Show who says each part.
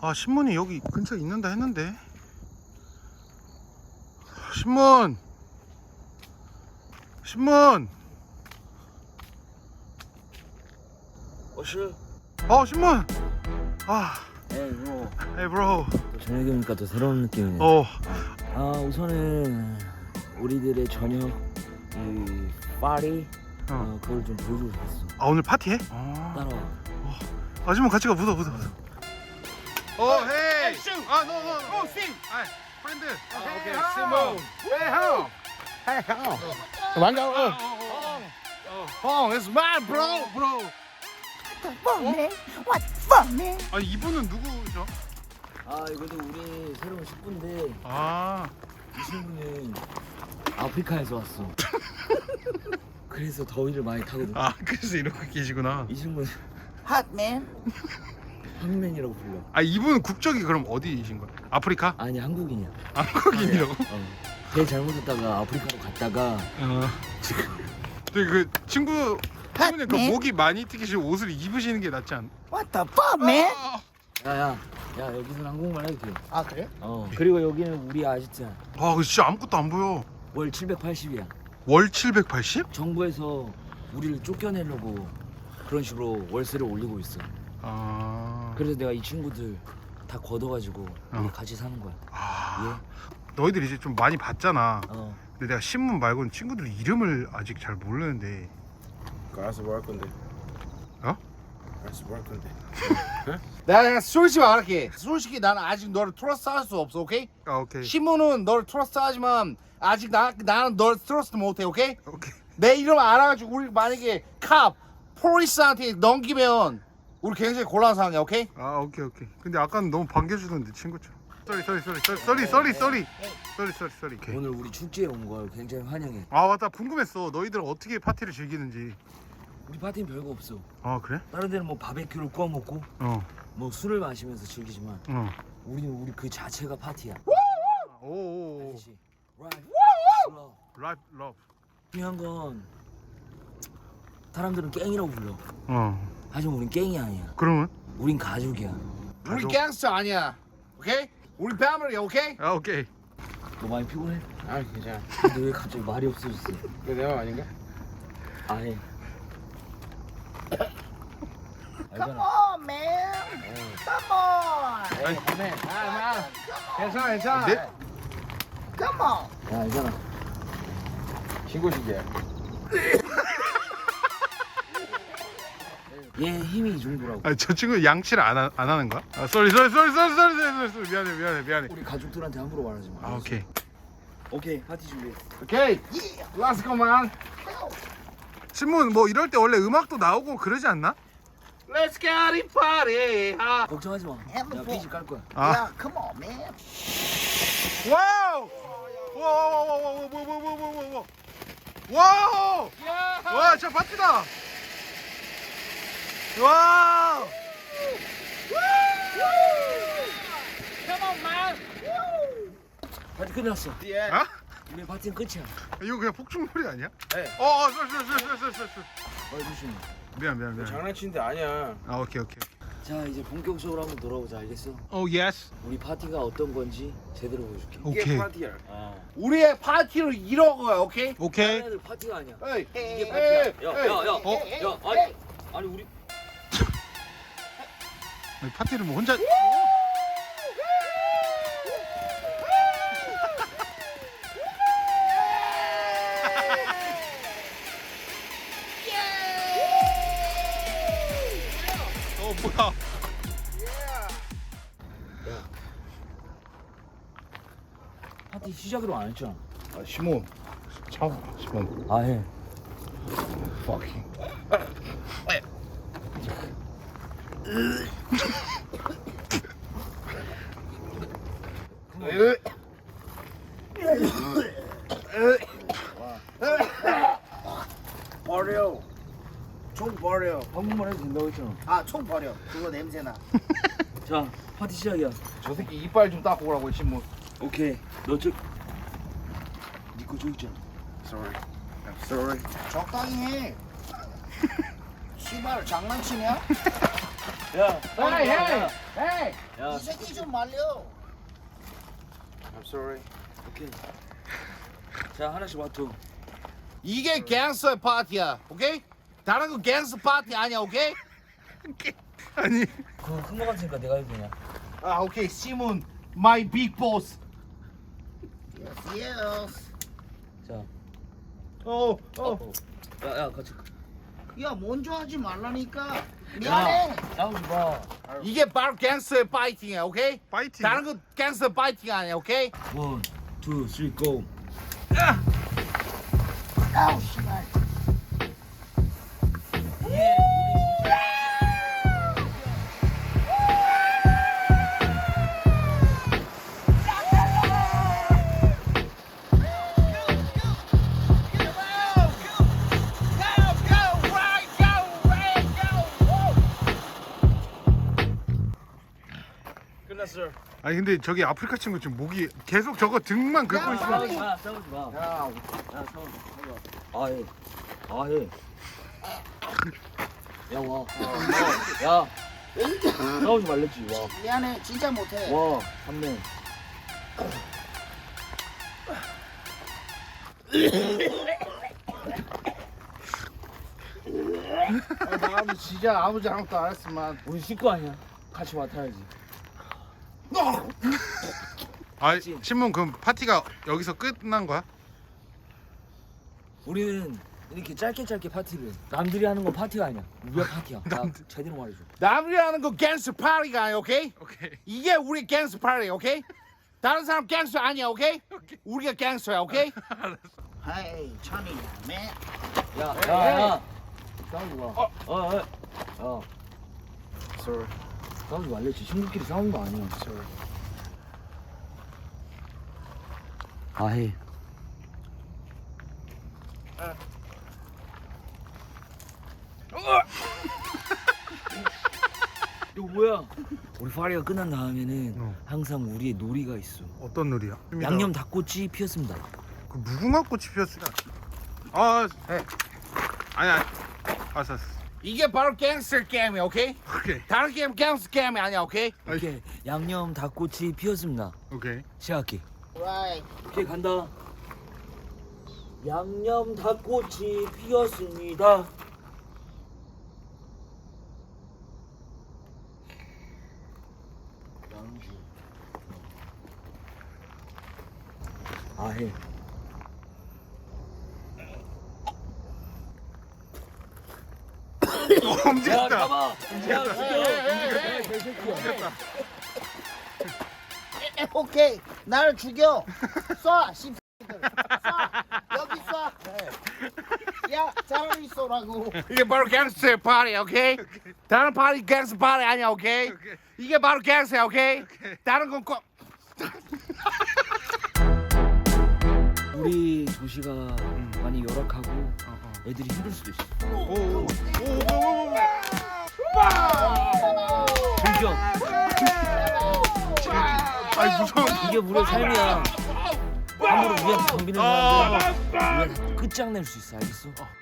Speaker 1: 아, 신문이 여기 근처에 있는다 했는데. 신문. 신문.
Speaker 2: 실
Speaker 1: 신문.
Speaker 2: 에이 브로.
Speaker 1: Hey bro.
Speaker 2: 또 저녁이니까 또 새로운 느낌이네. 우선은 우리들의 저녁 이 파티 그걸 좀 보여주고 싶었어.
Speaker 1: 오늘 파티해?
Speaker 2: 따라와.
Speaker 1: 신문 같이 가. 묻어. Hey. No. Sing. Friend.
Speaker 3: Okay, Simone. Hey, home. Hey, home. Come on, Home, it's mine, bro.
Speaker 4: What the fuck, man?
Speaker 1: 아니, 이분은 누구죠?
Speaker 2: 이것도 우리 새로운 식구인데 이 친구는 아프리카에서 왔어. 그래서 더위를 많이 타거든.
Speaker 1: 그래서 이렇게 계시구나.
Speaker 2: 이 친구는
Speaker 4: Hot, man.
Speaker 2: 황맨이라고 불러.
Speaker 1: 이분은 국적이 그럼 어디이신 거예요? 아프리카?
Speaker 2: 아니 한국인이야.
Speaker 1: 한국인이라고?
Speaker 2: 배 잘못했다가 아프리카로 갔다가
Speaker 1: 근데 그 친구 때문에 그
Speaker 4: 네?
Speaker 1: 목이 많이 튀기시고 옷을 입으시는 게 낫지 않나?
Speaker 4: What the fuck, man?
Speaker 2: 야 여기서는 한국말 해도 돼.
Speaker 4: 그래?
Speaker 2: 그리고 여기는 우리 아지트야.
Speaker 1: 그 진짜 아무것도 안 보여.
Speaker 2: 월 780이야.
Speaker 1: 월 780?
Speaker 2: 정부에서 우리를 쫓겨내려고 그런 식으로 월세를 올리고 있어. 그래서 내가 이 친구들 다 걷어가지고 우리 같이 사는 거야.
Speaker 1: 너희들 이제 좀 많이 봤잖아.
Speaker 2: 예.
Speaker 1: 근데 내가 신문 말고는 친구들 이름을 아직 잘 모르는데.
Speaker 3: 알아서 뭐 할 건데?
Speaker 1: 어?
Speaker 3: 알아서 뭐 할 건데? 내가 솔직히 말할게. 솔직히 나는 아직 너를 트러스트할 수 없어, 오케이?
Speaker 1: 오케이.
Speaker 3: 신문은 너를 트러스트하지만 아직 나는 너를 트러스트 못해, 오케이?
Speaker 1: 오케이.
Speaker 3: 내 이름 알아가지고 우리 만약에 폴리스한테 넘기면 우리 굉장히 곤란한 상황이야, 오케이?
Speaker 1: 오케이. 근데 아까는 너무 반겨주던데 친구처럼. 쏘리.
Speaker 2: 오늘 우리 축제에 온 걸 굉장히 환영해.
Speaker 1: 맞다. 궁금했어. 너희들 어떻게 파티를 즐기는지.
Speaker 2: 우리 파티는 별거 없어.
Speaker 1: 그래?
Speaker 2: 다른 데는 뭐 바베큐를 구워 먹고 뭐 술을 마시면서 즐기지만 우리는 우리 그 자체가 파티야.
Speaker 1: 오.
Speaker 2: 알지?
Speaker 1: 러브.
Speaker 2: 중요한 건 사람들은 갱이라고 불러. 하지만 우린 갱이 아니야.
Speaker 1: 그러면?
Speaker 2: 우린 가족이야.
Speaker 3: 우리
Speaker 1: 가족.
Speaker 3: 갱스터 아니야, 오케이? 우리 패밀리, 오케이?
Speaker 1: 오케이.
Speaker 2: 너 많이 피곤해?
Speaker 3: 괜찮아.
Speaker 2: 근데 왜 갑자기 말이 없어졌어?
Speaker 3: 이거 내가 아닌가?
Speaker 2: 아예.
Speaker 4: Come on, man. Come on.
Speaker 3: 괜찮아.
Speaker 1: 네?
Speaker 4: Come on.
Speaker 2: 야 알잖아.
Speaker 3: 신고식이야.
Speaker 2: 얘 힘이 이 정도라고.
Speaker 1: 저 친구 양치를 안 하는 거야? 쏘리. 미안해.
Speaker 2: 우리 가족들한테 함부로 말하지 마. 알았어?
Speaker 1: 오케이.
Speaker 2: 오케이 파티 준비.
Speaker 3: 오케이. Let's go, man.
Speaker 1: 신문 뭐 이럴 때 원래 음악도 나오고 그러지 않나?
Speaker 3: Let's get it party.
Speaker 2: 걱정하지 마. 내가 피지 깔 거야.
Speaker 4: Yeah, come on, man.
Speaker 1: 와우! 와우! 와, 진짜 파티다! 와우!
Speaker 2: 파티 끝났어.
Speaker 1: 어?
Speaker 2: 우리 파티는 끝이야.
Speaker 1: 이거 그냥 폭죽놀이 아니야?
Speaker 3: 네.
Speaker 1: 쏠.
Speaker 2: 조심해.
Speaker 1: 미안.
Speaker 3: 장난치는데 아니야.
Speaker 1: 오케이.
Speaker 2: 자 이제 본격적으로 한번 돌아보자. 알겠어?
Speaker 1: 예스.
Speaker 2: 우리 파티가 어떤 건지 제대로 보여줄게.
Speaker 1: 오케이.
Speaker 3: 파티야. 우리의 파티를 이런 거야, 오케이?
Speaker 1: 오케이.
Speaker 2: 애들 파티가 아니야.
Speaker 3: 에이,
Speaker 2: 이게 파티야. 야, 아니 우리
Speaker 1: 파티를 뭐 혼자 뭐야?
Speaker 2: 파티 시작으로 안 했잖아.
Speaker 3: 시몬. 시몬.
Speaker 2: 아 해.
Speaker 3: Fucking.
Speaker 4: 버려. 총 버려.
Speaker 2: 한국말 해도 된다고 했잖아.
Speaker 4: 총 버려. 그거 냄새나.
Speaker 2: 자 파티 시작이야.
Speaker 3: 저 새끼 이빨 좀 닦고 오라고, 시몬.
Speaker 2: 오케이. 너저니거 저기 있잖아.
Speaker 3: Sorry. I'm sorry.
Speaker 4: 적당히 해. 씨발 장난치냐?
Speaker 2: 야,
Speaker 3: Hey, hey.
Speaker 4: Hey,
Speaker 2: 야,
Speaker 4: 이 새끼 좀 말려.
Speaker 3: I'm sorry.
Speaker 2: 오케이. 자, 하나씩 와줘.
Speaker 3: 이게 갱스터 파티야, 오케이? 다른 거 갱스터 파티 아니야, 오케이?
Speaker 1: 아니
Speaker 2: 그거 큰거 같으니까 내가 해도 되냐?
Speaker 3: 아, 오케이. 시몬, my big boss.
Speaker 4: Yes, yes.
Speaker 2: 자,
Speaker 3: 어.
Speaker 2: 야, 같이.
Speaker 4: 야, 먼저 하지 말라니까. 미안해.
Speaker 2: 싸우지 마.
Speaker 3: 이게 바로 갱스터 파이팅이야, 오케이?
Speaker 1: 파이팅
Speaker 3: 다른 거 갱스터 파이팅 아니야, 오케이?
Speaker 2: 1, 2, 3, go.
Speaker 4: 아우, 씨발.
Speaker 3: 끝났어.
Speaker 1: 아니 근데 저기 아프리카 친구 지금 목이 계속 저거 등만 긁고 있어
Speaker 2: 싸우지 마. 싸우지 마.
Speaker 3: 야,
Speaker 2: 싸우지 마. 해. 해. 야, 와. 야. 싸우지 말랬지. 와.
Speaker 4: 미안해, 진짜 못해.
Speaker 2: 와, 3명.
Speaker 3: 나도 진짜 아무 잘못도 안 했지만.
Speaker 2: 우리 식구 아니야. 같이 맡아야지.
Speaker 1: 아 신문 그럼 파티가 여기서 끝난 거야?
Speaker 2: 우리는 이렇게 짧게 파티를. 남들이 하는 건 파티가 아니야. 우리가 파티야. 나
Speaker 1: 남들.
Speaker 2: 제대로 말해줘.
Speaker 3: 남들이 하는 거 갱스터 파티가 아니야, 오케이?
Speaker 1: 오케이
Speaker 3: 이게 우리 갱스터 파티, 오케이? 다른 사람 갱스터 아니야, 오케이? 우리가 갱스터야, 오케이?
Speaker 4: Hey, Johnny, man.
Speaker 2: 야. 싸우지 마. 야.
Speaker 3: Sorry.
Speaker 2: 싸우지 말랬지. 친구끼리 싸우는 거 아니야.
Speaker 3: Sorry.
Speaker 2: 해. 이거 뭐야? 우리 파리가 끝난 다음에는 항상 우리의 놀이가 있어.
Speaker 1: 어떤 놀이야?
Speaker 2: 양념 닭꼬치 피었습니다.
Speaker 1: 그 무궁화 꽃이 피었으니까 아 아니 알았어
Speaker 3: 이게 바로 갱스터 게임이야, 오케이?
Speaker 1: 오케이
Speaker 3: 다른 게임 갱스터 게임이 아니야, 오케이?
Speaker 2: 이렇게 양념 닭꼬치 피었습니다.
Speaker 1: 오케이
Speaker 2: 시작할게.
Speaker 4: Right.
Speaker 2: 오케이 간다. 양념 닭꼬치 피었습니다. 양주. 해. 야
Speaker 1: 움직였다
Speaker 2: 잡아. 야 죽여. 개새끼야.
Speaker 4: 오케이, 나를 죽여. 쏴, 씨X들. 쏴. 여기 쏴. 야, 차라리 쏘라고.
Speaker 3: 이게 바로 갱스터 파티야, 오케이? 다른 파티 갱스터 파티 아니야, 오케이? 이게 바로 갱스터야, 오케이? 다른 건 꼭.
Speaker 2: 우리 도시가 많이 열악하고 애들이 힘들 수도 있어.
Speaker 1: 오오오오오오
Speaker 2: 불경.
Speaker 1: 아이 무서워
Speaker 2: 이게 우리의 삶이야. 함부로 우리한테 덤비는 사람들 우리가 끝장낼 수 있어. 알겠어?